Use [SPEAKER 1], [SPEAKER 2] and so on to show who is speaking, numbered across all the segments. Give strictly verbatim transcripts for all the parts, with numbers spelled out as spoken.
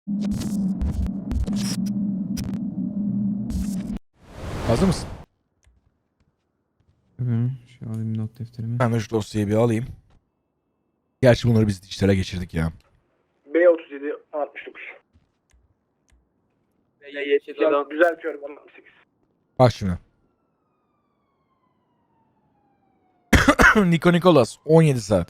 [SPEAKER 1] Hazır mısın?
[SPEAKER 2] Hı, şu alayım not defterimi.
[SPEAKER 1] Ben de şu dosyayı bir alayım. Gerçi bunları biz dijital'e geçirdik ya.
[SPEAKER 3] B otuz yedi altmış dokuz. Ya düzeltiyorum altmış sekiz.
[SPEAKER 1] Bak şimdi. Niko Nikolas on yedi saat.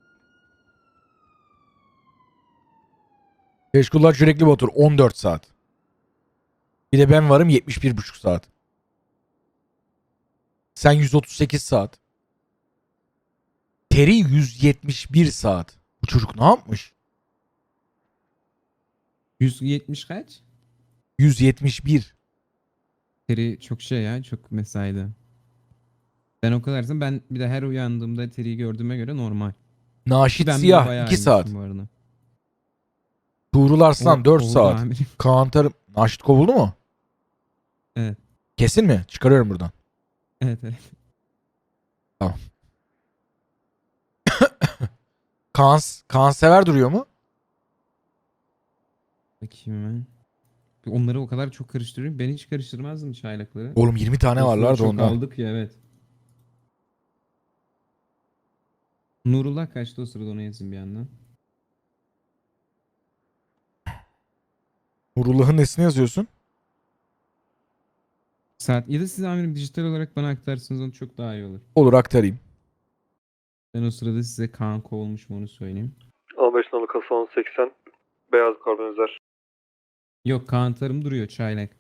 [SPEAKER 1] Teşkullar Sürekli Batur on dört saat. Bir de ben varım yetmiş bir buçuk saat. Sen yüz otuz sekiz saat. Terry yüz yetmiş bir saat. Bu çocuk ne yapmış?
[SPEAKER 2] yüz yetmiş kaç?
[SPEAKER 1] yüz yetmiş bir.
[SPEAKER 2] Teri çok şey ya, çok mesaide. Ben o kadarsam ben bir de her uyandığımda Teri'yi gördüğüme göre normal. Ki
[SPEAKER 1] Naşit
[SPEAKER 2] ben bile
[SPEAKER 1] Siyah
[SPEAKER 2] bayağı
[SPEAKER 1] iki saat.
[SPEAKER 2] iyiymişim bu arada.
[SPEAKER 1] Tuğrul Arslan
[SPEAKER 2] O
[SPEAKER 1] dört
[SPEAKER 2] kovuldu
[SPEAKER 1] saat.
[SPEAKER 2] amirim.
[SPEAKER 1] Kaan Tarım. Naşit kovuldu mu?
[SPEAKER 2] Evet.
[SPEAKER 1] Kesin mi? Çıkarıyorum buradan.
[SPEAKER 2] Evet evet.
[SPEAKER 1] Kaan, Kaan Sever duruyor mu?
[SPEAKER 2] Bakayım hemen. Onları o kadar çok karıştırıyorum. Ben hiç karıştırmazdım çaylakları.
[SPEAKER 1] Oğlum yirmi tane
[SPEAKER 2] O sırada
[SPEAKER 1] varlar da
[SPEAKER 2] çok
[SPEAKER 1] ondan.
[SPEAKER 2] aldık ya, evet. Nurullah kaçtı o sırada, onu yazayım bir yandan.
[SPEAKER 1] Nurullah'ın nesini yazıyorsun?
[SPEAKER 2] Saat ya da siz amirim dijital olarak bana aktarsanız onu çok daha iyi olur.
[SPEAKER 1] Olur aktarayım.
[SPEAKER 2] Ben o sırada size Kaan kovulmuş mu onu söyleyeyim.
[SPEAKER 4] on beş nolu kasa on seksen beyaz karbonizer.
[SPEAKER 2] Yok, Kaan Tarım duruyor, çaylak.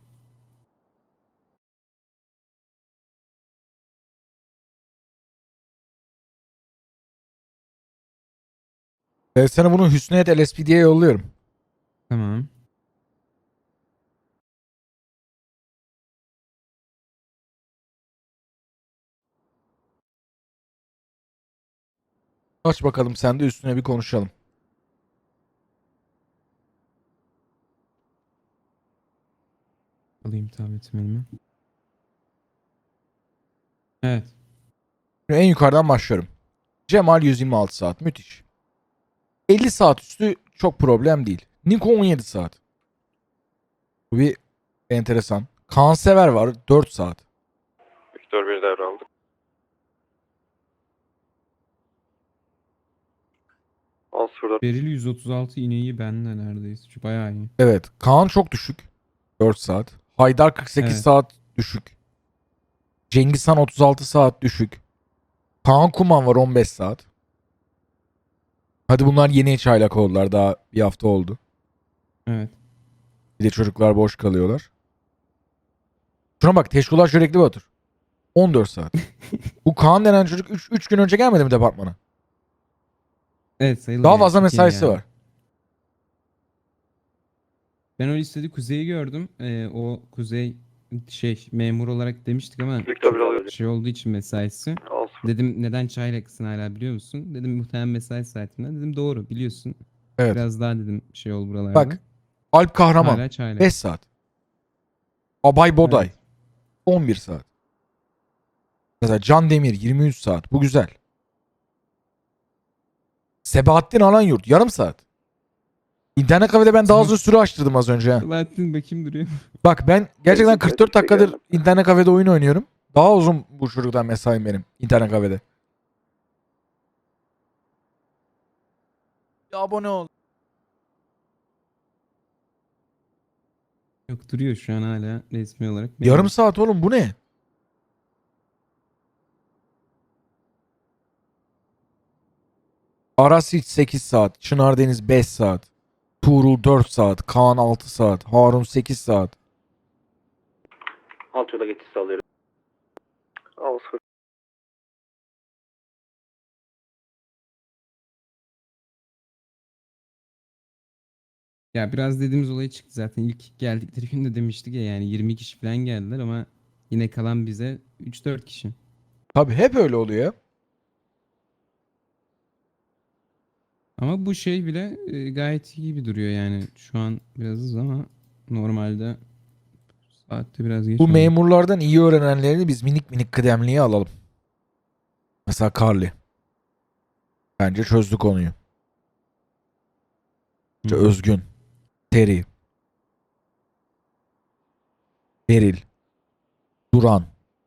[SPEAKER 1] Ben sana bunu Hüsniyet L S P D'ye yolluyorum.
[SPEAKER 2] Tamam.
[SPEAKER 1] Aç bakalım sen de üstüne bir konuşalım.
[SPEAKER 2] Alayım tabletimi elime. Evet.
[SPEAKER 1] Şimdi en yukarıdan başlıyorum. Cemal yüz yirmi altı saat. Müthiş. elli saat üstü çok problem değil. Niko on yedi saat. Bu bir enteresan. Kaan Sever var dört saat.
[SPEAKER 4] Victor bir devraldı. on sıfır dört.
[SPEAKER 2] Beril yüz otuz altı ineği bende neredeyse. Şu bayağı iyi.
[SPEAKER 1] Evet. Kaan çok düşük. dört saat. Haydar kırk sekiz
[SPEAKER 2] Evet.
[SPEAKER 1] saat düşük. Cengiz Han otuz altı saat düşük. Kaan Kuman var on beş saat. Hadi bunlar yeni çaylak oldular. Daha bir hafta oldu.
[SPEAKER 2] Evet.
[SPEAKER 1] Bir de çocuklar boş kalıyorlar. Şuna bak, Teşkular Çörekli Batur. on dört saat. Bu Kaan denen çocuk üç gün önce gelmedi mi departmana?
[SPEAKER 2] Evet, sayılır
[SPEAKER 1] Daha
[SPEAKER 2] yani.
[SPEAKER 1] fazla
[SPEAKER 2] Çok yeni
[SPEAKER 1] mesaisi
[SPEAKER 2] geldi.
[SPEAKER 1] var.
[SPEAKER 2] Ben o listede Kuzey'i gördüm. Ee, o Kuzey şey memur olarak demiştik ama
[SPEAKER 4] Victor bir alıyor.
[SPEAKER 2] şey olduğu için mesaisi.
[SPEAKER 4] on sıfır.
[SPEAKER 2] Dedim neden çaylaksın hala biliyor musun? Dedim muhtemelen mesai saatinden. Dedim doğru biliyorsun.
[SPEAKER 1] Evet.
[SPEAKER 2] Biraz daha dedim şey ol buralarda.
[SPEAKER 1] Bak. Alp Kahraman
[SPEAKER 2] Hala çaylak.
[SPEAKER 1] beş saat. Abay Boday
[SPEAKER 2] Evet.
[SPEAKER 1] on bir saat. Mesela Can Demir yirmi üç saat. Bu güzel. Sebahattin Alanyurt yarım saat. İnternet kafede ben daha uzun süre açtırdım az önce. ha.
[SPEAKER 2] Selahattin bakayım duruyor.
[SPEAKER 1] Bak ben gerçekten
[SPEAKER 4] Evet,
[SPEAKER 1] kırk dört
[SPEAKER 4] evet,
[SPEAKER 1] dakikadır
[SPEAKER 4] geldim.
[SPEAKER 1] internet kafede oyun oynuyorum. Daha uzun bu çocuktan mesaim benim internet kafede. Ya abone ol.
[SPEAKER 2] Yok, duruyor şu an hala resmi olarak.
[SPEAKER 1] Yarım
[SPEAKER 2] memur.
[SPEAKER 1] saat oğlum bu ne? Aras hiç sekiz saat. Çınar Deniz beş saat. Tuğrul dört saat. Kaan altı saat. Harun sekiz saat.
[SPEAKER 3] Alt yola geçişi alıyorum.
[SPEAKER 4] on sıfır.
[SPEAKER 2] Ya biraz dediğimiz olay çıktı zaten. İlk geldikleri gün de demiştik ya, yani yirmi kişi falan geldiler ama yine kalan bize üç dört kişi.
[SPEAKER 1] Tabii hep öyle oluyor ya.
[SPEAKER 2] Ama bu şey bile e, gayet iyi gibi duruyor yani. Şu an biraz hızlı ama normalde saatte biraz geç
[SPEAKER 1] Bu
[SPEAKER 2] oldu.
[SPEAKER 1] memurlardan iyi öğrenenlerini biz minik minik kıdemliye alalım. Mesela Carly. Bence çözdü konuyu. İşte
[SPEAKER 2] Hı hı.
[SPEAKER 1] Özgün. Terry. Beril. Duran.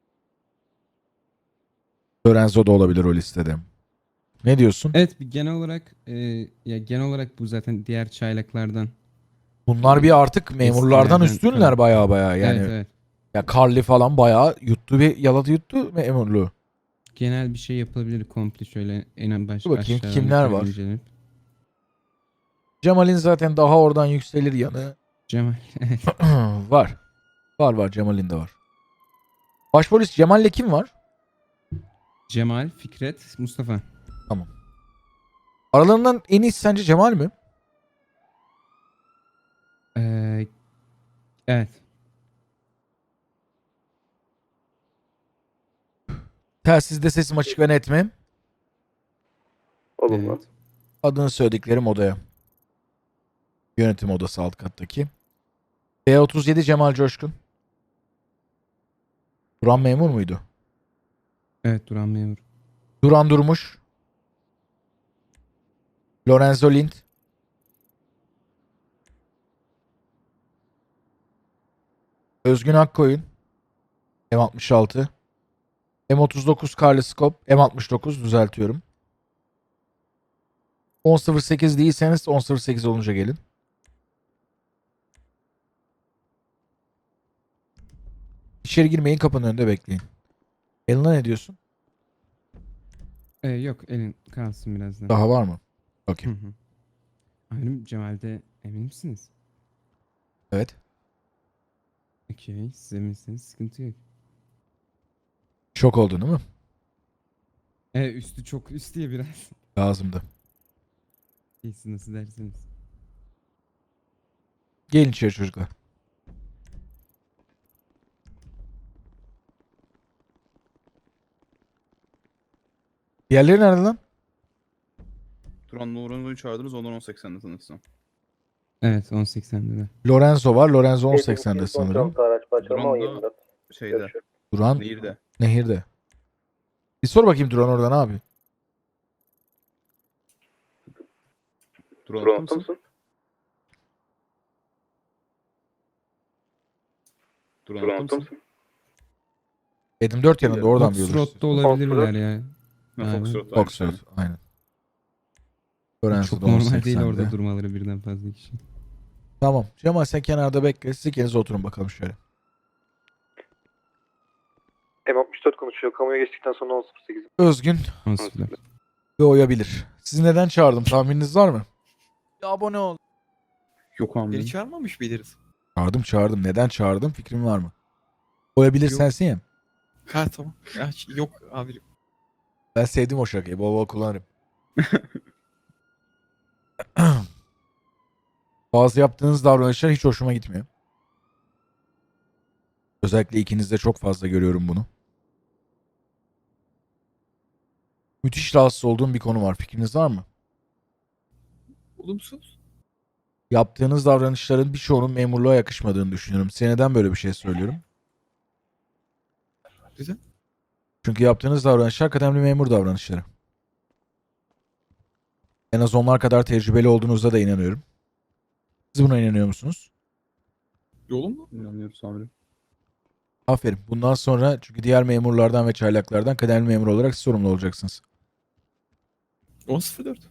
[SPEAKER 1] Lorenzo da olabilir o listede. Ne diyorsun?
[SPEAKER 2] Evet, bir genel olarak e, ya genel olarak bu zaten diğer çaylaklardan.
[SPEAKER 1] Bunlar bir artık memurlardan
[SPEAKER 2] Eskilerden
[SPEAKER 1] üstünler
[SPEAKER 2] kalan.
[SPEAKER 1] baya baya. Yani
[SPEAKER 2] Evet, evet.
[SPEAKER 1] ya Carly falan bayağı yuttu bir yaladı yuttu memurluğu.
[SPEAKER 2] Genel bir şey yapılabilir komple şöyle en baş
[SPEAKER 1] Dur bakayım,
[SPEAKER 2] aşağıdan
[SPEAKER 1] kimler
[SPEAKER 2] yukarı
[SPEAKER 1] var?
[SPEAKER 2] incelenip.
[SPEAKER 1] Cemal'in zaten daha oradan yükselir yanı
[SPEAKER 2] Cemal.
[SPEAKER 1] var. Var var, Cemal'in de var. Başpolis Cemal'le kim var?
[SPEAKER 2] Cemal, Fikret, Mustafa.
[SPEAKER 1] Aralarından en iyisi sence Cemal mi?
[SPEAKER 2] Ee, evet.
[SPEAKER 1] Telsizde sesim açık ve net mi?
[SPEAKER 4] Olumlu.
[SPEAKER 2] Evet.
[SPEAKER 1] Adını söylediklerim odaya. Yönetim odası alt kattaki. B otuz yedi Cemal Coşkun. Duran memur muydu?
[SPEAKER 2] Evet, Duran memur.
[SPEAKER 1] Duran Durmuş. Lorenzo Lind. Özgün Akkoyun. M altmış altı. M otuz dokuz Carly Scope. M altmış dokuz düzeltiyorum. on sıfır sekiz değilseniz on sıfır sekiz olunca gelin. İçeri girmeyin, kapının önünde bekleyin. Elina ne diyorsun?
[SPEAKER 2] Ee, yok, elin kalsın birazdan.
[SPEAKER 1] Daha var mı?
[SPEAKER 2] Hı
[SPEAKER 1] Okey.
[SPEAKER 2] hı. Amirim, Cemal'de emin misiniz?
[SPEAKER 1] Evet.
[SPEAKER 2] Okey, siz eminseniz sıkıntı yok.
[SPEAKER 1] Şok oldun değil mi?
[SPEAKER 2] Evet, üstü çok üst diye biraz.
[SPEAKER 1] Lazımdı.
[SPEAKER 2] Siz nasıl dersiniz?
[SPEAKER 1] Gelin içeri çocuklar. Diğerleri nerede lan?
[SPEAKER 5] Duran Lorenzo'yu çağırdınız, ondan on seksende tanışsam.
[SPEAKER 2] Evet, on seksen'de de.
[SPEAKER 1] Lorenzo var. Lorenzo on seksende sanırım.
[SPEAKER 3] Araç parçalama on
[SPEAKER 5] Duran
[SPEAKER 3] yirmi
[SPEAKER 5] da
[SPEAKER 3] dört.
[SPEAKER 5] şeyde,
[SPEAKER 3] Görüşürüz.
[SPEAKER 1] Duran
[SPEAKER 5] Nehir'de.
[SPEAKER 1] nehirde. Bir sor bakayım Duran oradan abi.
[SPEAKER 5] Duran
[SPEAKER 3] Duran
[SPEAKER 5] attı mısın?
[SPEAKER 3] mısın?
[SPEAKER 5] Duran
[SPEAKER 3] Duran
[SPEAKER 5] attı
[SPEAKER 3] attı
[SPEAKER 5] mısın?
[SPEAKER 3] mısın?
[SPEAKER 1] Edim dört yanında oradan bir yol
[SPEAKER 2] Foxtrot'ta
[SPEAKER 1] üstü.
[SPEAKER 2] olabilirler ya.
[SPEAKER 5] Ha,
[SPEAKER 2] Abi.
[SPEAKER 5] Foxtrot. aynı
[SPEAKER 1] Foxtrot
[SPEAKER 5] şey.
[SPEAKER 1] aynen. Lorenzo
[SPEAKER 2] Çok
[SPEAKER 1] da on
[SPEAKER 2] normal değil
[SPEAKER 1] seksende.
[SPEAKER 2] orada durmaları birden fazla kişi.
[SPEAKER 1] Tamam. Cemal sen kenarda bekle. Siz ikiniz oturun bakalım şöyle.
[SPEAKER 4] M altmış dört konuşuyor. Kamuya geçtikten sonra on sıfır sekiz.
[SPEAKER 1] Özgün
[SPEAKER 2] on sıfır.
[SPEAKER 1] ve oyabilir. Sizi neden çağırdım? Tahmininiz var mı?
[SPEAKER 6] Abone ol.
[SPEAKER 5] Yok
[SPEAKER 6] Beni
[SPEAKER 5] amirim.
[SPEAKER 6] çağırmamış mıydınız?
[SPEAKER 1] Çağırdım çağırdım. Neden çağırdım? Fikrin var mı? Oyabilir
[SPEAKER 6] Yok.
[SPEAKER 1] sensin ya.
[SPEAKER 6] Ha tamam. Ya, hiç- yok amirim.
[SPEAKER 1] Ben sevdim o şakayı. Bol bol kullanırım. Bazı yaptığınız davranışlar hiç hoşuma gitmiyor. Özellikle ikinizde çok fazla görüyorum bunu. Müthiş rahatsız olduğum bir konu var. Fikriniz var mı?
[SPEAKER 6] Olumsuz.
[SPEAKER 1] Yaptığınız davranışların birçoğunun memurluğa yakışmadığını düşünüyorum. Size neden böyle bir şey söylüyorum?
[SPEAKER 6] Güzel.
[SPEAKER 1] Çünkü yaptığınız davranışlar kıdemli memur davranışları. En az onlar kadar tecrübeli olduğunuzda da inanıyorum. Siz buna inanıyor musunuz?
[SPEAKER 6] Yolun mu?
[SPEAKER 5] İnanıyoruz amirim.
[SPEAKER 1] Aferin. Bundan sonra çünkü diğer memurlardan ve çaylaklardan kıdemli memur olarak siz sorumlu olacaksınız.
[SPEAKER 6] on sıfır dört.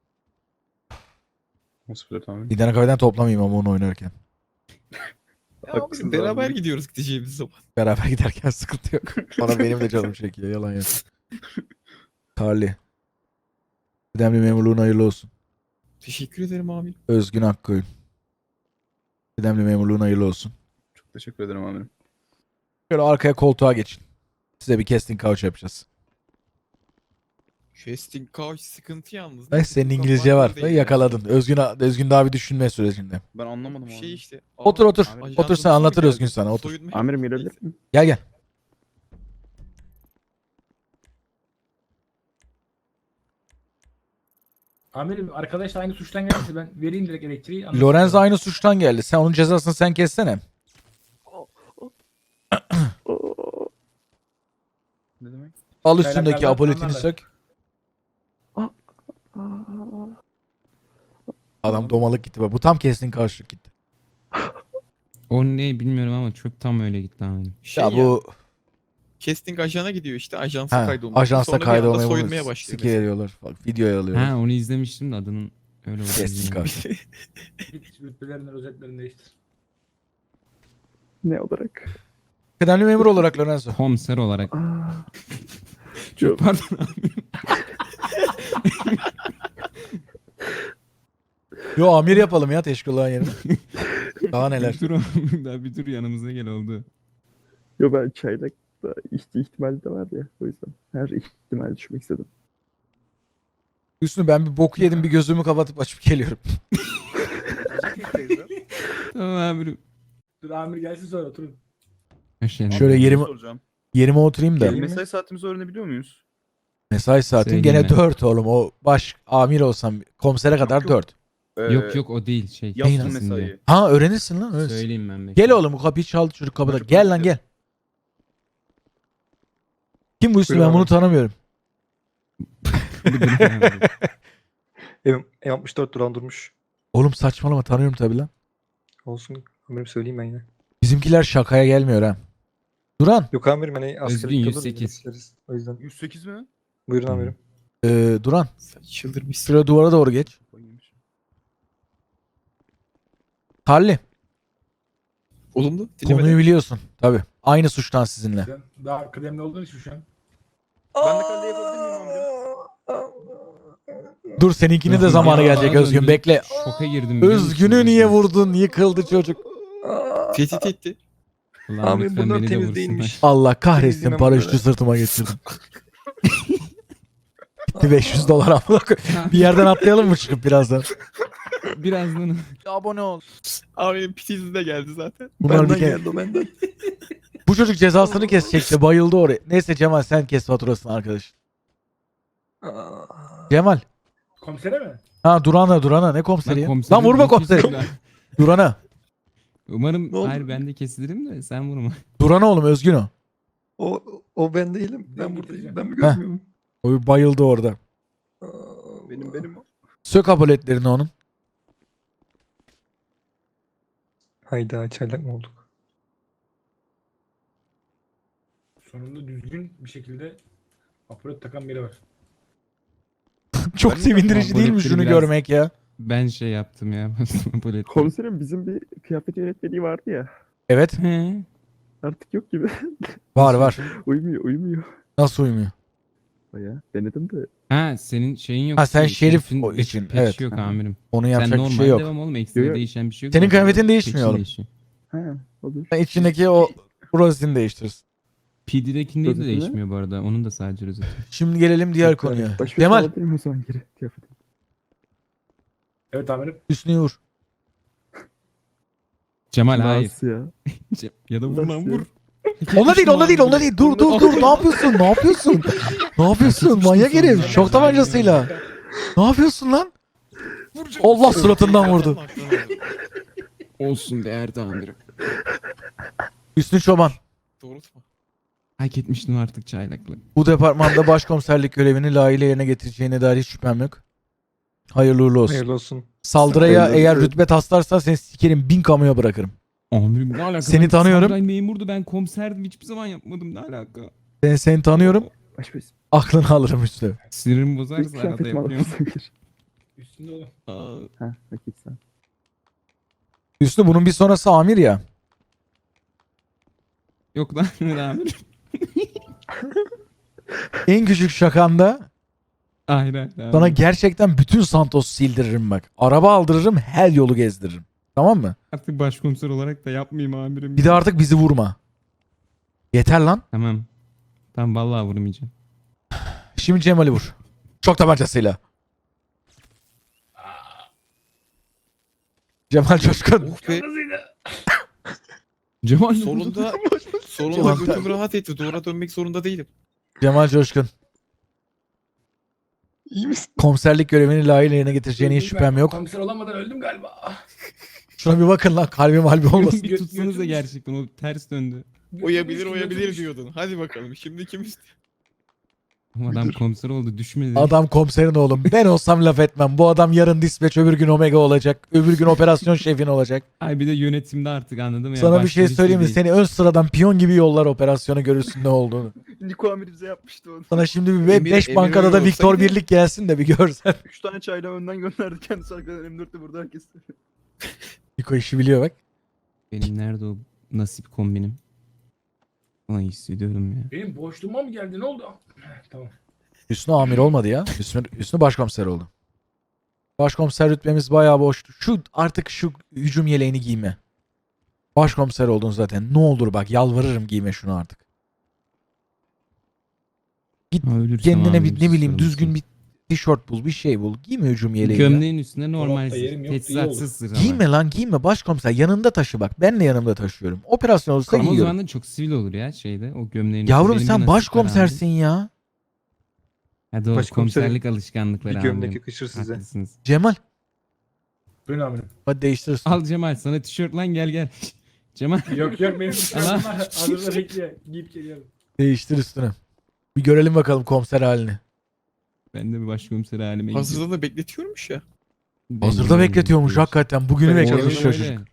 [SPEAKER 5] on sıfır dört amirim.
[SPEAKER 1] İnternet kafeden toplamayayım ama onu oynarken.
[SPEAKER 6] Ya
[SPEAKER 5] Haklısınız
[SPEAKER 6] amirim, beraber
[SPEAKER 5] abi.
[SPEAKER 6] gidiyoruz gideceğimiz zaman.
[SPEAKER 1] Beraber giderken sıkıntı yok. Bana benim de canım çekiyor. Yalan yok. Carly. Kıdemli memurluğun hayırlı olsun.
[SPEAKER 6] Teşekkür ederim amirim.
[SPEAKER 1] Özgün Akkoyun. Kıdemli memurluğun hayırlı olsun.
[SPEAKER 5] Çok teşekkür ederim amirim.
[SPEAKER 1] Şöyle arkaya koltuğa geçin. Size bir casting couch yapacağız.
[SPEAKER 6] Casting couch sıkıntı yalnız.
[SPEAKER 1] Ay,
[SPEAKER 6] Neyse,
[SPEAKER 1] senin
[SPEAKER 6] çok
[SPEAKER 1] İngilizce
[SPEAKER 6] abartılı
[SPEAKER 1] var.
[SPEAKER 6] değil
[SPEAKER 1] Yakaladın. Özgün, Özgün daha bir düşünme sürecinde.
[SPEAKER 5] Ben anlamadım
[SPEAKER 6] yani.
[SPEAKER 5] abi.
[SPEAKER 6] Şey işte.
[SPEAKER 1] Otur,
[SPEAKER 6] aa,
[SPEAKER 1] otur.
[SPEAKER 6] ajandamız
[SPEAKER 1] Otur, sen
[SPEAKER 6] mı
[SPEAKER 1] anlatır
[SPEAKER 6] geldi?
[SPEAKER 1] Özgün sana, otur.
[SPEAKER 6] Soyunma
[SPEAKER 5] Amirim
[SPEAKER 6] yaptık.
[SPEAKER 5] gelebilir miyim?
[SPEAKER 1] Gel gel.
[SPEAKER 7] Amirim arkadaş da aynı suçtan gelirse ben vereyim direkt elektriği. anlasın
[SPEAKER 1] Lorenzo
[SPEAKER 7] sonra.
[SPEAKER 1] aynı suçtan geldi. Sen onun cezasını sen kessene.
[SPEAKER 5] Ne demek?
[SPEAKER 1] Al üstündeki
[SPEAKER 7] Çaylaklardan
[SPEAKER 1] apoletini
[SPEAKER 7] anlarlar.
[SPEAKER 1] sök. Adam domalık gitti. Bak, bu tam casting couch'luk gitti.
[SPEAKER 2] O ne bilmiyorum ama çok tam öyle gitti amirim.
[SPEAKER 6] Şey
[SPEAKER 1] ya
[SPEAKER 6] ya,
[SPEAKER 1] bu
[SPEAKER 6] casting ajana gidiyor işte. Ajansa
[SPEAKER 1] ha,
[SPEAKER 6] kaydolmuş.
[SPEAKER 1] ajansa
[SPEAKER 6] Sonra bir anda
[SPEAKER 1] kaydolmayı
[SPEAKER 6] soyulmaya
[SPEAKER 1] bunu
[SPEAKER 6] başlıyor.
[SPEAKER 1] sike veriyorlar. Bak videoya alıyorlar.
[SPEAKER 2] Ha onu izlemiştim de adının öyle olduğunu
[SPEAKER 1] Kestik
[SPEAKER 2] bilmiyorum.
[SPEAKER 1] abi.
[SPEAKER 7] Git rütbelerini, rozetlerini değiştir.
[SPEAKER 8] Ne olarak?
[SPEAKER 1] Kıdemli memur olarak Lorenzo.
[SPEAKER 2] Komiser olarak.
[SPEAKER 8] Aa,
[SPEAKER 2] Çok pardon amirim.
[SPEAKER 1] Yo amir yapalım ya teşkilatın yerine. Daha neler.
[SPEAKER 2] Bir dur amirim, daha bir dur yanımıza gel oldu.
[SPEAKER 8] yo ben çaylakta ihti ihtimali de var ya o yüzden her ihtimali düşmek istedim.
[SPEAKER 1] Üstüne ben bir boku yedim bir gözümü kapatıp açıp geliyorum.
[SPEAKER 2] Tamam amirim.
[SPEAKER 7] Dur amir gelsin sonra oturun.
[SPEAKER 2] Hoş
[SPEAKER 1] Şöyle
[SPEAKER 5] Bir şey
[SPEAKER 1] yerime-
[SPEAKER 5] soracağım.
[SPEAKER 1] Yerime oturayım da.
[SPEAKER 8] Geleyim mi?
[SPEAKER 5] Mesai saatimizi öğrenebiliyor muyuz?
[SPEAKER 1] Mesai saatim
[SPEAKER 2] Söyleyeyim
[SPEAKER 1] gene
[SPEAKER 2] ben.
[SPEAKER 1] dört oğlum. O baş amir olsam komisere kadar
[SPEAKER 5] yok.
[SPEAKER 1] dört.
[SPEAKER 5] Ee,
[SPEAKER 2] Yok yok o değil şey.
[SPEAKER 5] Yaptım
[SPEAKER 1] Neyin
[SPEAKER 2] kesin
[SPEAKER 5] mesai.
[SPEAKER 2] diye.
[SPEAKER 1] Ha öğrenirsin lan. Öğrenirsin.
[SPEAKER 2] Söyleyeyim ben. bekle.
[SPEAKER 1] Gel oğlum bu kapıyı çaldı çocuk kapıda.
[SPEAKER 5] Çocuk
[SPEAKER 1] Gel lan
[SPEAKER 5] bekliyor.
[SPEAKER 1] gel. Kim bu üstü
[SPEAKER 8] Buyur
[SPEAKER 1] ben
[SPEAKER 8] abi.
[SPEAKER 1] bunu tanımıyorum.
[SPEAKER 2] Bir dur amirim.
[SPEAKER 9] E altmış dört duran durmuş.
[SPEAKER 1] Oğlum saçmalama tanıyorum tabi lan.
[SPEAKER 9] Olsun. Amirim söyleyeyim ben yine.
[SPEAKER 1] Bizimkiler şakaya gelmiyor ha. Duran.
[SPEAKER 9] Yok amirim hani
[SPEAKER 2] Özgün
[SPEAKER 9] askerlik
[SPEAKER 2] yüz
[SPEAKER 9] yıldır
[SPEAKER 2] sekiz.
[SPEAKER 9] isteriz. O yüzden.
[SPEAKER 5] yüz sekiz mi?
[SPEAKER 9] Buyurun amirim.
[SPEAKER 1] Ee, Duran.
[SPEAKER 6] Sen çıldırmışsın.
[SPEAKER 1] Şuraya duvara doğru geç. Harley.
[SPEAKER 6] Olumlu.
[SPEAKER 1] Konuyu
[SPEAKER 6] Dinlemedim.
[SPEAKER 1] biliyorsun. Tabi. Aynı suçtan sizinle.
[SPEAKER 7] Sen daha kıdemli olduğun için şu an.
[SPEAKER 5] Ben de kalde yapabilir miyim amirim?
[SPEAKER 1] Dur seninkini de zamanı gelecek
[SPEAKER 2] Az
[SPEAKER 1] Özgün.
[SPEAKER 2] önce
[SPEAKER 1] Bekle.
[SPEAKER 2] Şoka girdim. biliyor musun?
[SPEAKER 1] Özgün'ü niye vurdun? Yıkıldı çocuk.
[SPEAKER 6] Tehdit etti.
[SPEAKER 2] Allah'ım
[SPEAKER 9] Abi
[SPEAKER 2] lütfen
[SPEAKER 9] bunlar
[SPEAKER 2] beni de
[SPEAKER 9] temiz
[SPEAKER 2] vursunlar.
[SPEAKER 9] değilmiş.
[SPEAKER 1] Allah kahretsin
[SPEAKER 9] Temizlemem
[SPEAKER 1] paraşütü
[SPEAKER 9] böyle.
[SPEAKER 1] sırtıma geçirdim. Gitti beş yüz dolar amına koyayım. Bir yerden atlayalım mı çıkıp birazdan?
[SPEAKER 2] Birazdan.
[SPEAKER 1] Abone ol.
[SPEAKER 6] Abi pitizi de geldi zaten.
[SPEAKER 1] Bunlar bir
[SPEAKER 9] Benden
[SPEAKER 1] kere...
[SPEAKER 9] geldi o benden.
[SPEAKER 1] Bu çocuk cezasını kesecekti. Bayıldı oraya. Neyse Cemal sen kes faturasını arkadaş.
[SPEAKER 9] Aa,
[SPEAKER 1] Cemal.
[SPEAKER 7] Komisere mi?
[SPEAKER 1] Ha Duran'a Duran'a ne komiseri
[SPEAKER 2] Lan
[SPEAKER 1] ya?
[SPEAKER 2] komiserin
[SPEAKER 1] Lan vurma
[SPEAKER 2] bir
[SPEAKER 1] komiseri.
[SPEAKER 2] kesilir ha.
[SPEAKER 1] Duran'a.
[SPEAKER 2] Umarım
[SPEAKER 9] Ne oldu?
[SPEAKER 2] hayır ben de kesilirim de sen vurma.
[SPEAKER 1] Duran'a oğlum Özgün o.
[SPEAKER 9] o, o ben değilim. Ben
[SPEAKER 7] Ben
[SPEAKER 9] buradayım.
[SPEAKER 7] getireceğim.
[SPEAKER 9] Ben mi görmüyorum?
[SPEAKER 1] O bayıldı orada.
[SPEAKER 9] Aa,
[SPEAKER 5] Benim benim.
[SPEAKER 1] Sök apoletlerini onun.
[SPEAKER 9] Hayda çaylak mı olduk?
[SPEAKER 7] Sonunda düzgün bir şekilde aparat takan biri var.
[SPEAKER 1] Çok sevindirici değil mi
[SPEAKER 2] apoletleri
[SPEAKER 1] şunu
[SPEAKER 2] biraz-
[SPEAKER 1] görmek ya?
[SPEAKER 2] Ben şey yaptım ya. Apolet.
[SPEAKER 8] Komiserim bizim bir kıyafet yönetmeliği vardı ya.
[SPEAKER 1] Evet.
[SPEAKER 2] He.
[SPEAKER 8] Artık yok gibi.
[SPEAKER 1] Var var.
[SPEAKER 8] uyumuyor uyumuyor.
[SPEAKER 1] Nasıl uyumuyor?
[SPEAKER 8] Baya denedim de.
[SPEAKER 2] Ha senin şeyin yok.
[SPEAKER 1] Ha, sen
[SPEAKER 2] ki,
[SPEAKER 1] şerif
[SPEAKER 2] şerifin
[SPEAKER 1] o için,
[SPEAKER 2] patch'i
[SPEAKER 1] evet.
[SPEAKER 2] yok amirim.
[SPEAKER 1] Onun
[SPEAKER 2] Sen
[SPEAKER 1] yapacak
[SPEAKER 2] normal
[SPEAKER 1] bir şey yok.
[SPEAKER 2] devam oğlum. Ekstra
[SPEAKER 8] Yok, yok.
[SPEAKER 2] değişen bir şey yok.
[SPEAKER 1] Senin
[SPEAKER 2] Sadece
[SPEAKER 1] kıyafetin
[SPEAKER 2] patch'in
[SPEAKER 1] değişmiyor oğlum.
[SPEAKER 2] değişiyor.
[SPEAKER 8] Ha olur.
[SPEAKER 1] Sen içindeki o rozetini değiştirirsin.
[SPEAKER 2] P D'dekinin de
[SPEAKER 8] Rozeti ne?
[SPEAKER 2] değişmiyor bu arada. Onun da sadece rozeti.
[SPEAKER 1] Şimdi gelelim diğer konuya.
[SPEAKER 8] Baş başa
[SPEAKER 1] Cemal
[SPEAKER 8] alabilir miyim o zaman geri kıyafeti?
[SPEAKER 7] Evet amirim.
[SPEAKER 1] üstünü vur.
[SPEAKER 2] Cemal hayır.
[SPEAKER 8] Nasıl ya?
[SPEAKER 2] Ce- Ya da vur lan
[SPEAKER 8] Nasıl?
[SPEAKER 2] vur.
[SPEAKER 1] Onda değil onda değil onda değil. Dur dur dur. Ne yapıyorsun? Ne yapıyorsun? Ne yapıyorsun? Manyak herif. Şok tabancasıyla. Ne yapıyorsun lan? Allah suratından vurdu.
[SPEAKER 2] Olsun değerli amirim.
[SPEAKER 1] Hüsnü Çoban.
[SPEAKER 6] Doğrultma.
[SPEAKER 2] Hak etmiştim artık çaylakla.
[SPEAKER 1] Bu departmanda başkomiserlik görevini layığıyla yerine getireceğine dair hiç şüphem yok. Hayırlı uğurlu olsun.
[SPEAKER 9] Hayırlı olsun.
[SPEAKER 1] Saldırıya
[SPEAKER 8] Hayırlı
[SPEAKER 1] eğer
[SPEAKER 8] olsun.
[SPEAKER 1] rütbe taslarsan seni sikerim bin kamuya bırakırım.
[SPEAKER 2] Amirim ne alaka?
[SPEAKER 1] Seni
[SPEAKER 2] Ben
[SPEAKER 1] tanıyorum.
[SPEAKER 2] Samuray memurdu ben komiserdim hiçbir zaman yapmadım ne alaka?
[SPEAKER 1] Ben seni tanıyorum.
[SPEAKER 8] Baş başa.
[SPEAKER 1] Aklını alırım Hüsnü.
[SPEAKER 2] Sinirimi
[SPEAKER 8] Bir
[SPEAKER 2] bozarsa arada
[SPEAKER 8] kıyafetimi alır
[SPEAKER 2] yapıyorum.
[SPEAKER 8] mısın geri?
[SPEAKER 7] Üstünde oğlum.
[SPEAKER 2] Aa,
[SPEAKER 8] Ha vakit sen.
[SPEAKER 1] Hüsnü bunun bir sonrası amir ya.
[SPEAKER 2] Yok lan amirim.
[SPEAKER 1] En küçük şakanda
[SPEAKER 2] Hayır hayır.
[SPEAKER 1] sana
[SPEAKER 2] amirim.
[SPEAKER 1] gerçekten bütün Santos sildiririm bak. Araba aldırırım her yolu gezdiririm. Tamam mı?
[SPEAKER 2] Artık başkomiser olarak da yapmayayım amirim.
[SPEAKER 1] Bir de artık bizi vurma. Yeter lan.
[SPEAKER 2] Tamam. Tamam vallahi vurmayacağım.
[SPEAKER 1] Şimdi Cemal'i vur. Çok tabancasıyla. Cemal Coşkun.
[SPEAKER 6] Oh be.
[SPEAKER 2] Cemal
[SPEAKER 6] Sonunda sonunda
[SPEAKER 1] Cemal-
[SPEAKER 6] götüm rahat etti. Duvara dönmek zorunda değilim.
[SPEAKER 1] Cemal Coşkun.
[SPEAKER 9] İyi misin?
[SPEAKER 1] Komiserlik görevini layığıyla yerine getireceğine hiç
[SPEAKER 7] Ben
[SPEAKER 1] şüphem yok.
[SPEAKER 7] Komiser olamadan öldüm galiba.
[SPEAKER 1] Şuna bir bakın lan kalbim halbi olmasın.
[SPEAKER 2] bir tutsanız da gerçekten o ters döndü.
[SPEAKER 6] Oyabilir oyabilir diyordun. Hadi bakalım şimdi kim istiyor?
[SPEAKER 2] Adam komiser oldu düşmedi.
[SPEAKER 1] Adam komiserin oğlum. Ben olsam laf etmem. Bu adam yarın dispatch, öbür gün omega olacak. Öbür gün operasyon şefin olacak.
[SPEAKER 2] Ay bir de yönetimde artık anladın mı? ya?
[SPEAKER 1] Sana bir
[SPEAKER 2] Başka
[SPEAKER 1] şey
[SPEAKER 2] birisi
[SPEAKER 1] söyleyeyim mi?
[SPEAKER 2] değil.
[SPEAKER 1] Seni ön sıradan piyon gibi yollar, operasyonu görürsün ne olduğunu.
[SPEAKER 6] Niko amir bize yapmıştı onu.
[SPEAKER 1] Sana şimdi bir
[SPEAKER 6] Emir-
[SPEAKER 1] beş
[SPEAKER 6] Emir
[SPEAKER 1] bankada
[SPEAKER 6] öyle
[SPEAKER 1] da Victor
[SPEAKER 6] olsaydı-
[SPEAKER 1] Birlik gelsin de bir görsen.
[SPEAKER 6] Üç tane çayla önden gönderdi kendisi arkadan M dörtte burada herkes.
[SPEAKER 1] Niko işi biliyor bak.
[SPEAKER 2] Benim nerede o nasip kombinim? Ay hissediyorum ya.
[SPEAKER 7] Benim boşluğuma mı geldi? Ne oldu? Tamam.
[SPEAKER 1] Hüsnü amir olmadı ya. Hüsnü, Hüsnü başkomiser oldu. Başkomiser rütbemiz bayağı boştu. Şu artık şu hücum yeleğini giyme. Başkomiser oldun zaten. Ne olur bak, yalvarırım, giyme şunu artık.
[SPEAKER 2] Ha, ölürsem
[SPEAKER 1] Kendine
[SPEAKER 2] abim
[SPEAKER 1] bir ne bileyim
[SPEAKER 2] susarım
[SPEAKER 1] düzgün
[SPEAKER 2] size.
[SPEAKER 1] bir tişört bul, bir şey bul. Giyme hücum yeleği ya.
[SPEAKER 2] Gömleğin üstüne normal
[SPEAKER 7] Dolapta yerim yoktu, iyi
[SPEAKER 2] teçhizatsız zırh ama.
[SPEAKER 1] Giyme lan, giyme başkomiser. Yanında taşı bak. Ben de yanımda taşıyorum. Operasyon olursa
[SPEAKER 2] Ama o
[SPEAKER 1] giyiyorum.
[SPEAKER 2] zaman da çok sivil olur ya şeyde o gömleğin üstüne.
[SPEAKER 1] Yavrum
[SPEAKER 2] Benim bir
[SPEAKER 1] sen
[SPEAKER 2] nasip var
[SPEAKER 1] başkomisersin ya.
[SPEAKER 2] abi. Ha doğru
[SPEAKER 9] Başkomiserim,
[SPEAKER 2] komiserlik alışkanlıkları
[SPEAKER 9] Bir gömlek
[SPEAKER 2] abi.
[SPEAKER 9] yakışır size.
[SPEAKER 2] Haklısınız.
[SPEAKER 1] Cemal
[SPEAKER 7] Buyurun amirim.
[SPEAKER 1] hadi değiştirsin.
[SPEAKER 2] Al Cemal sana tişört lan gel gel. Cemal.
[SPEAKER 7] Yok yok benim
[SPEAKER 2] Allah.
[SPEAKER 7] tişörtüm var. Hazırda bekliyor. Giyip geliyorum.
[SPEAKER 1] Değiştir üstüne. Bir görelim bakalım komiser halini.
[SPEAKER 2] Ben de bir başkomiser halime gidiyorum.
[SPEAKER 6] Hazırda da bekletiyormuş ya.
[SPEAKER 2] Ben
[SPEAKER 1] Hazırda
[SPEAKER 2] de
[SPEAKER 1] bekletiyormuş
[SPEAKER 2] bekliyorum.
[SPEAKER 1] hakikaten. Bugünü
[SPEAKER 9] Ben
[SPEAKER 1] bekliyormuş
[SPEAKER 2] Öyle
[SPEAKER 1] çocuk.
[SPEAKER 2] öyle.